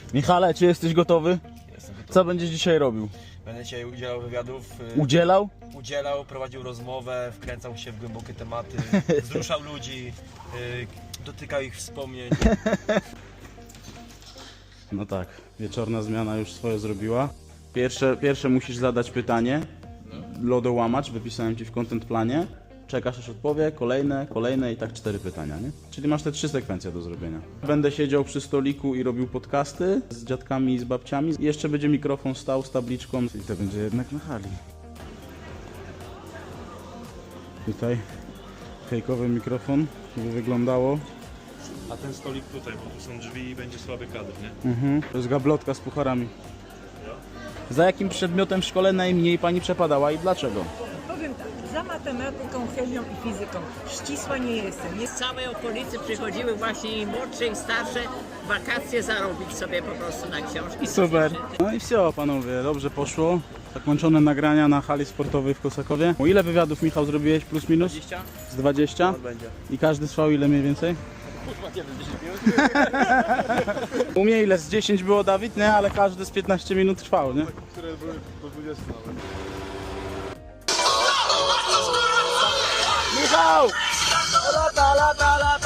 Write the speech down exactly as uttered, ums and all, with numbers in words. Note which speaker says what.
Speaker 1: Michale, czy jesteś gotowy?
Speaker 2: Jestem gotowy.
Speaker 1: Co będziesz dzisiaj robił?
Speaker 2: Będę dzisiaj udzielał wywiadów,
Speaker 1: Udzielał?
Speaker 2: y, udzielał, prowadził rozmowę, wkręcał się w głębokie tematy, wzruszał ludzi, y, dotykał ich wspomnień.
Speaker 1: No tak, wieczorna zmiana już swoje zrobiła. Pierwsze, pierwsze musisz zadać pytanie. Lodołamacz, wypisałem ci w content planie. Czekasz aż odpowie, kolejne, kolejne i tak cztery pytania, nie? Czyli masz te trzy sekwencje do zrobienia. Będę siedział przy stoliku i robił podcasty z dziadkami i z babciami. I jeszcze będzie mikrofon stał z tabliczką i to będzie jednak na hali. Tutaj fejkowy mikrofon, żeby wyglądało.
Speaker 3: A ten stolik tutaj, bo tu są drzwi i będzie słaby kadr, nie?
Speaker 1: Mhm. To jest gablotka z pucharami. Za jakim przedmiotem w szkole najmniej pani przepadała i dlaczego?
Speaker 4: Powiem tak, za matematyką, chemią i fizyką ścisła nie jestem. Jest
Speaker 5: Z całej okolicy przychodziły właśnie i młodsze i starsze wakacje zarobić sobie po prostu na książki.
Speaker 1: Super. No i все, panowie, dobrze poszło. Zakończone nagrania na hali sportowej w Kosakowie. O ile wywiadów, Michał, zrobiłeś plus minus?
Speaker 2: dwadzieścia?
Speaker 1: Z dwadzieścia?
Speaker 2: Będzie.
Speaker 1: I każdy trwał ile mniej więcej? U mnie ile? Z dziesięć było, Dawid, nie? Ale każdy z piętnaście minut trwał, nie?
Speaker 3: Które były do dwudziestu nawet.
Speaker 1: Michał!
Speaker 2: Lata, lata, lata!